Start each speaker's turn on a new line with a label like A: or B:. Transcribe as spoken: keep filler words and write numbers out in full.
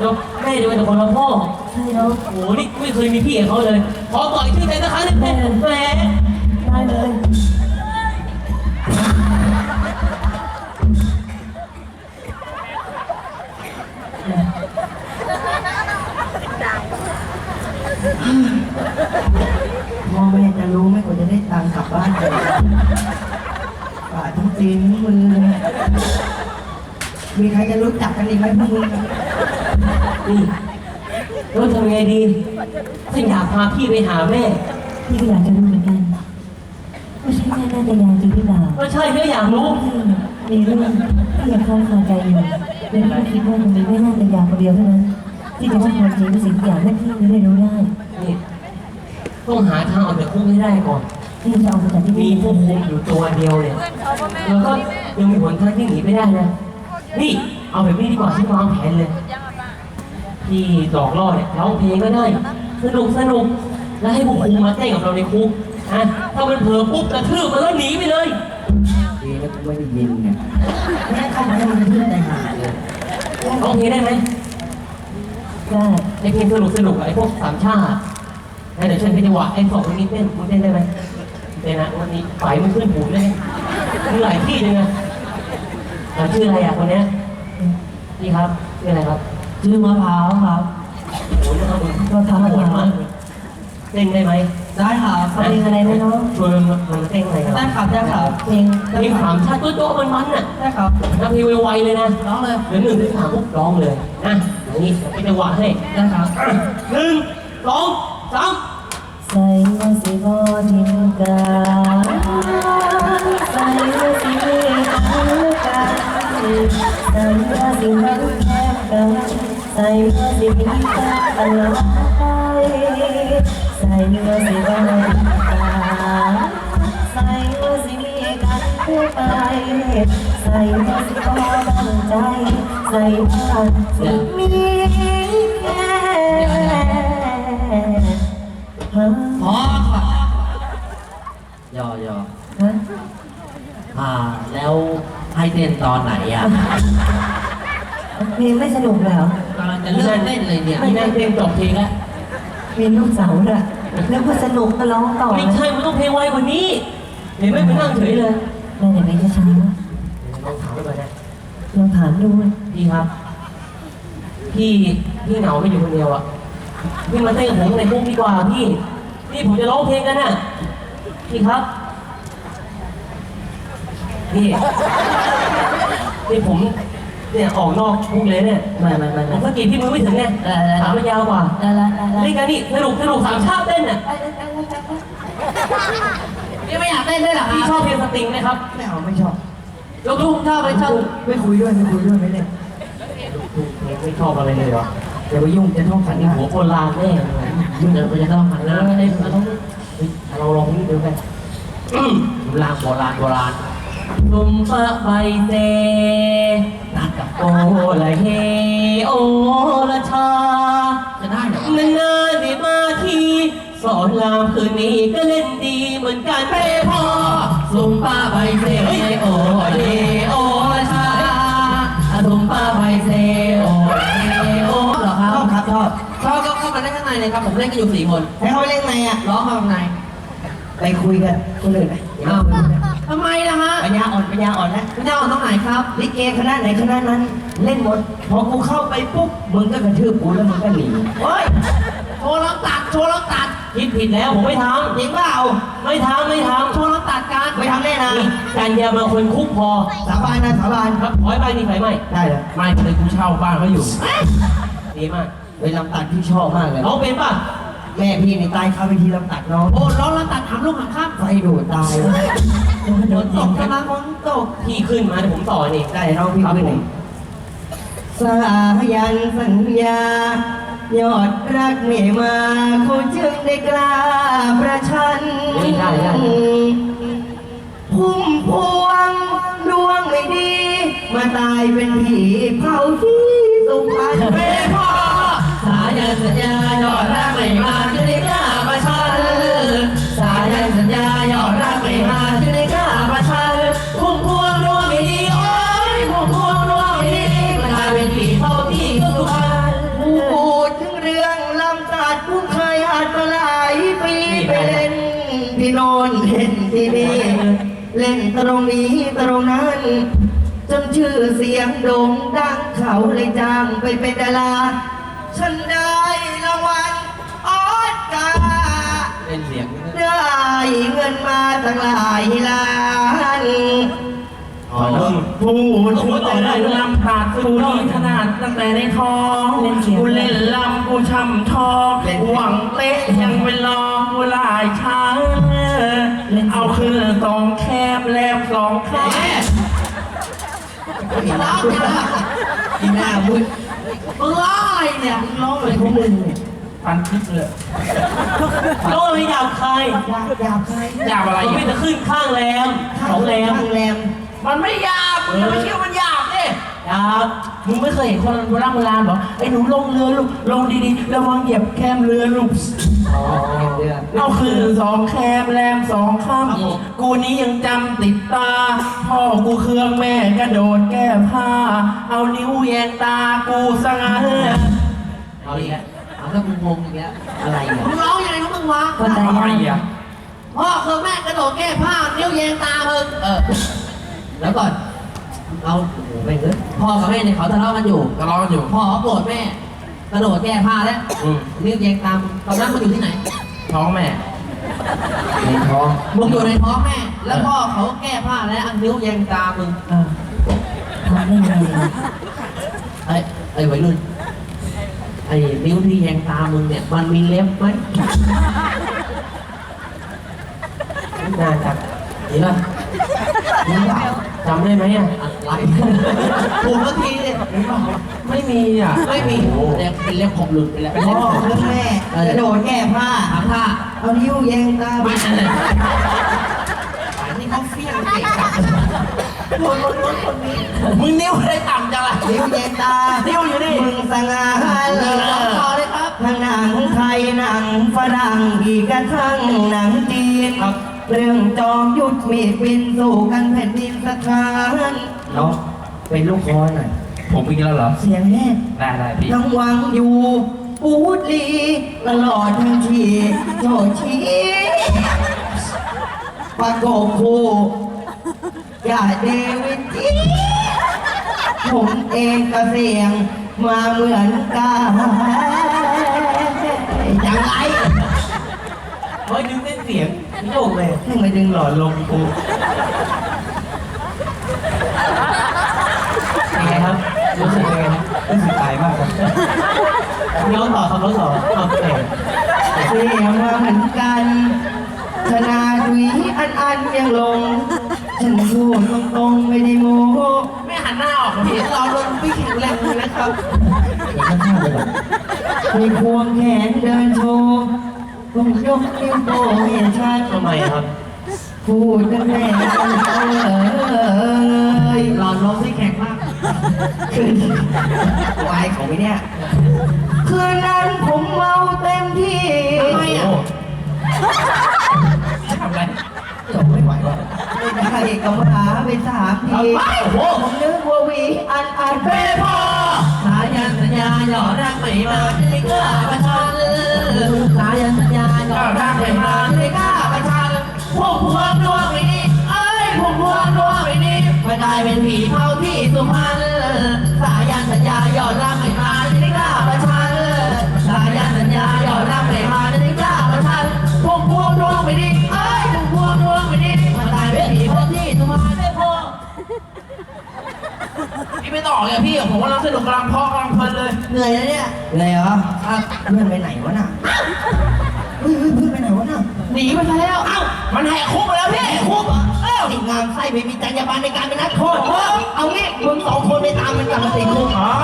A: แล้วแม่จะเป็นคนละพ่อใช่แล้วโอ้นี่ไม่เคยมีพี่เขาเลยขอต่อยชื่อแต่ละครั้งเลยแม่แม่ได้เลย
B: พ่อแม่จะรู้ไหมกว่าจะได้ตังค์กลับบ้านเลยป่าดทั้งตีนทั้งมือเลยมีใครจะรู้จักกันอีกไหมพวกมึง
A: นี่แล้วทำไงดีฉันอยากพาพี่ไปหาแม่
C: พี่ก็อยากจะรู้เหมือนกันว่าใช่แม่นาตยาจริงหรือเปล่า
A: ก็ใช่ก็อยากรู้
C: มีเรื่องที่ยังคล่องคาใจอยู่และพี่คิดว่ามันมีแม่นาตยาคนเดียวเท่านั้นที่จะให้ความจริงทุกสิ่งทุกอย่างให้พี่ได้รู้ได้
A: นี่ต้องหาทางออกจากคุกให้ได้ก่อน
C: พี่จะเอาไปจากที่
A: มี
C: นี่
A: ผู้คุมอยู่ตัวเดียวเนี่ยแล้วก็ยังมีหนทางที่หนีไม่ได้นะนี่เอาแบบนี้ดีกว่าที่วางแผนเลยที่หลอกล่อเนี่ยร้องเพลงก็ได้สนุกสนุกแล้วให้ผู้คุมมาเต้นกับเราในคุกนะถ้ามันเผลอปุ๊บกระทืบมันก็หนีไปเลย
B: ดีนะกูไม่ได้ยินเนี่ยแม่เข้ามาให้มันเพื่อนใจหายเลย
A: ร้องเพลงได้ไหม
C: ได้
A: ไอ้เพลงสนุกสนุกไอ้พวกสามชาติเดี๋ยวฉันเป็นจังหวะไอ้สองคนนี้เต้นมึงเต้นได้ไหมเต้นนะวันนี้ไฟมันขึ้นหูเลยมึงหลายที่เลยนะชื่ออะไรอ่ะคนเนี้ยนี่ครับชื่ออะไรครับ
C: ชื่อมะพร้าวครับ
A: โอ้ยนะครับมึง
C: ก็ทำมะพร้าว
A: เต้นได้ไหม
B: ได้ค่ะ
C: เอาเพลงอะไรไหมน้อง
A: ชวนมันมันเต้นอะไรครับ
B: ได้ค่ะได้ค่ะ
C: เพลง
A: เพลงสามชาติโต๊ะๆมันๆน่ะ
B: ได้ค่ะ
A: นะเพลงไวๆเลยนะ
B: ร้องเลย
A: เดี๋ยวหนึ่งถึงสามปุ๊บร้องเลยนะอย่างนี้เป็นจังหวะให้
B: ได้ค่ะ
A: หนึ่งสองสาม
C: ใส่ว่าสิบอทิมกาใส่ว่าสิเมตตากาใส่ว่าสิมันแทบกันใส่ว่าสิมีตาตลอดไปใส่ว่าสิบอทิมกาใส่ว่าสิมีกันคู่ไปใส่ว่าสิบอตั้งใจใส่ว่าสิมีแค่ฮะ
B: พอค่ะยอยอ
C: ฮะ
B: อ่า แล้วให้เต้นตอนไหนอ่ะ
C: เพลงไม่สนุกเลยเหรอก
B: ำลังจะเริ่มเต้นเลยเนี่ย
A: ไม่นั่งเพลงจบเพลงแล้ว
C: มีลูกสาวด้วยแล้วก็สนุกก็ร้องต่อ
A: ไม่ใช่มันต้องเพลงไวกว่านี้เห็นไหมไปนั่งเฉยเลย
C: แม่อย่างไรจะช้า
A: ลองถามไปก่อนนะ
C: ลองถามดู
A: พี่ครับ พี่พี่เหงาไม่อยู่คนเดียวอ่ะพี่มาเต้นกับผมในคุกดีกว่าพี่นี่ผมจะร้องเพลงกันน่ะพี่ครับนี่นี่ผมเนี่ยออกนอกคุกเลยเนี่ย
C: มามามา
A: ผ
C: มาม
A: สะกิดพี่มือไม่ถึงไงถามมันยาวกว่า
C: ได้ละได้ละ
A: นี่กันนี่สนุกสนุกสามชาติเต้นน่ะ
B: พี่ไม่อยากเต้นด้วยเหรอ
A: พี่ชอบเพลงสตริงไหมครับ
B: ไม่เอาไม่ชอบ
A: ยกลูกชอบไหมชอบ
B: ไม่คุยด้วยไม่คุยด้วยไม่เล่น
A: ไม่ชอบอะไรเลยเหรอ
B: อย่าไปยุ่งจะท่องขัน
A: นี่
B: นี่
A: หั
B: หั
A: ว
B: ว
A: โบราณแน่เลย
B: ยุ่งเดี๋ยวจะต้องขัน
A: แล้
B: แล้ว ว
A: ไอ้เราต้องเราลองนี่ดูไป
B: โบราณโบราณโบราณ
A: ลุมปะใบเต
B: นัดกับ
A: โอละเฮโอละชา
B: จะได้เหรอน
A: านๆได้มาทีสอนรามคืนนี้ก็เล่นดีเหมือนกันเป้พอ
B: ซุมป้าใบเซโอเยโอชาซุมป้าใบเซโอเยโอเหรอครับชอบครับชอบชอบก็เข้ามาเล่นข้างในเลยครับผมเล่นกันอยู่สี่คนให้เขาไปเล่นไงอ่ะร้องมาข้างในไปคุยกันคนอื่นไปเอ้าทำไมล่ะฮะปัญญาอ่อนปัญญาอ่อนนะปัญญาอ่อนตรงไหนครับลิเกคณะไหนคณะนั้นเล่นหมดพอกูเข้าไปปุ๊บมึงก็กระทืบกูแล้วมึงก็หนีเฮ้ยโชว์ล็อกตัดโชว์ล็อกตัด
A: คิดผิดแล้วผมไม่ท
B: จริงเปล่า
A: ำไม่ทำไม่ทำ
B: โชว์ล็อกตัดกันไม่ทำแน่นะ
A: การยามาคนคุกพอ
B: สาบานนะสาบาน
A: ครับขอให้ไปนี่ไฟไหม
B: ได้เลย
A: ไม่เลยกูเช่าบ้านเขาอยู่ดีมาก
B: ไปลำตัดที่ชอบมากเลย
A: น้องเป็นป่ะ
B: แม่พี่ในตายเข้าไปทีลำตัดน้องโอ้ร้องลำตัดถามลูกหางข้ามไฟดูดตายโดนตกกำลังฝนตก
A: พี่ขึ้นมาเดี๋ยวผมต่อนี่
B: ได้น้องพี่ขึ้นเองสายันสัญญายอดรักไม่มาเขาจึงได้กล้าประชัน
A: ได้ได้ได้
B: พุ่มพวงดวงไม่ดี มาตายเป็นผีเผาที่สุพรรณเป้พ่อสายันสัญญายอดรักไม่มาจึงได้กล้าประชันสายันสัญญายอดรักไม่มาจึงได้กล้าประชันพุ่มพวงดวงไม่ดีโอ้ยพุ่มพวงดวงไม่ดีมาตายเป็นผีเผาที่สุพรรณ
C: ตรงนี้ตรงนั้นจนชื่อเสียงโด่งดังเขาเลยจ้างไปเป็นดาราฉันได้รางวัลออสการ์
B: เล่นเสียง
C: ได้เงินมาตั้งหลายล้าน
B: อ๋อ
D: พูดถึงแต่เรื่องลำพาดกูนี่ขนาดตั้งแต่ในท้องกูเล่นลำกูช่ำทองหวังเตะยังเป็นรองกูหลายช้างเอาคืนสองแคบแลบสองข้าง
B: ร้องจังอะ
C: อีหน้ามึง
B: มึงร้องอะไรเนี่ยมึงร้องอะไร
C: พวกมึงเนี่ย
D: ปันทิพย์เลย
A: โต้ไม่หยาบคาย
C: หยาบหยาบใคร
D: หยาบอะไร
A: มันไม่
D: อ่ะ
A: จะขึ้นข้างแรมสองแรม
C: ข้างแรม
D: มันไม่หยาบมึงจะไม่เชื่อมันหยาบดิ
A: หยาบ
D: มึงไม่เคยเห็นคนโบราณโบราณเหรอไอ้หนูลงเรือลูกลงดีๆระวังเหยียบแคมเรือลูก
C: อ๋อเดือด
D: เอาคืนสองแคมแรมสองค่ำกูนี้ยังจำติดตา พ่อกูเครื่องแม่กระโดดแก้ผ้า เอานิ้วแยงตากูสง่า
B: เอาอีกแล้วเอาแล้วมึงงงอีกแล้ว
C: อะไรอ่ะ
B: มึงร้องยังไงของมึงวะ
C: ก็ได้
D: อะไร
C: ยัง
D: อ่ะ
B: พ่อคือแม่กระโดดแก้ผ้านิ้วแยงตามึงเออแล้วก่อนเอาโอ้โหไม่เงยพ่อกับแม่เนี่ยเขาทะเลาะกันอยู่
D: ทะเลาะกันอยู่
B: พ่อเขาโกรธแม่กระโดดแก้ผ้าแล้ว
D: อืม
B: นิ้วแยงตามตอนนั้นมึงอยู่ที่ไหน
D: ท้องแม่
C: ในท้อง
B: มึงอยู่ในท้องแม่ แล้วพ่อเขาแก้ผ้าแล้วเอานิ้วแยงตามึง
C: เออทำได้ไงอ่ะ
B: ไอ้ไอ้วัยรุ่นไอ้นิ้วที่แยงตามึงเนี่ยมันมีเล็บไหม
C: น่าจะ
B: เห็นป่ะ
C: รู้เปล่า
A: จำได้ไหมอ่ะ
B: อะไรถูกทันทีเลยเห็นป่ะ
D: ไม่มีอ่ะ
B: ไม่มีเล็บเป็นเล็บขบหลุดไปแล้วเป็น
C: พ่
B: เล็บ
C: อ
B: ขบ
C: เรื่องแม่กระโดดแก้ผ้า
B: ถามท่า
C: เอานิ้วแยงตา
B: ไม่ใช่เลยอันนี้เขาเฟี้ยงเก่งจังคนคนคนคนนี้
D: มึงนิ้วได้ต่ำจังล่ะ
C: นิ้วแยงตา
D: นิ้วอยู่นี่
C: มึงสง่าเล
B: เออต่อย เลยครับ
C: ทั้งหนังไทยหนังฝรั่งอีกกระทั่งหนังจีนเรื่องจอมยุทธมีดบินสู่กันแผ่นดินสถานเนาะเป็นลูกคอหน่อย
D: ผมอีกแล้วเหรอ
C: เสียงแรก
D: ได้ได้พี่
C: ยังหวังอยู่ปูดลีตลอดทั้งทีโจชีประกบคู่อย่าเดวิดจีผมเองก็เสียงมาเหมือนกันยังไง
A: เฮ้ยดึงเส้นเสียงโยกเลย
C: ให้มาดึงหลอดลมกู
A: เป็นไงครับรู้สึกยังไงครับ
C: รู้สึกตายมากครับ
A: ย้อนต่อครับย้อนต่อเอาเอง
C: เสียงมาเหมือนกันชนะดุยอันอันยังลง ฉันพูดตรงๆไม่ได้โม้
D: ไม่หันหน้าออกเหรอพี่
B: เราโดนพี่แข็งแรงเลยนะครับ
C: มีควงแขนเดินโชว์ต้องยกนิ้วโป้งให้ชัด
A: ทำไมครับ
C: พูดกันแม่กันเออ
B: หลอดลมที่แข็งมาก
C: คืนวายของไม่เนี่ยคืนนั้นผมเมาเต็มที่
B: ทำไมอ่ะ
D: ทำอะไร
C: จบไม่ไหวว่ะไม่ได้กำหาไปสามทีผมนึกว่าวีอันอันเป้พอ
B: สายันสัญญาหยอดรักไม่มาไม่กล้าประชันสายันสัญญาหยอดรักไม่มาไม่กล้าประชันพวกพวงดวงไม่ดีเอ้ยพวกพวงดวงไม่ดีไม่กลายเป็นผีเผาที่สุพรรณสายันสัญญาหยอดรักไม่มาไม่กล้าประชันสายันสัญญาหยอดรักไม่มาไม่กล้าประชันพวกพวงดวงไม่ดีเอ้ยพวกพวงดวงไม่ดีไม่กลายเป็นผีเผาที่สุพรรณไม่พอ
D: พี่ไม่ต่อเลยพี่ผมกำลังสนุกกำลังเพาะกำลังเพลินเลย
B: เหนื่อยแล้วเนี่ย
C: เลยเหรอเพื่อนไปไหนวะน่ะเฮ้ยเฮ้ยเพื่อนไปไหนวะน่ะ
B: หนีไปซะแล้ว
D: เอ้ามันแหกคุกไปแล้วพี่
C: คุกเหรอเอ้าติดงานไส้ไม่มีจรรยาบรรณในการเป็นนักโทษเอางี้มึงสองคนไปตามมันกลับมาติดคุก
D: อ๋อ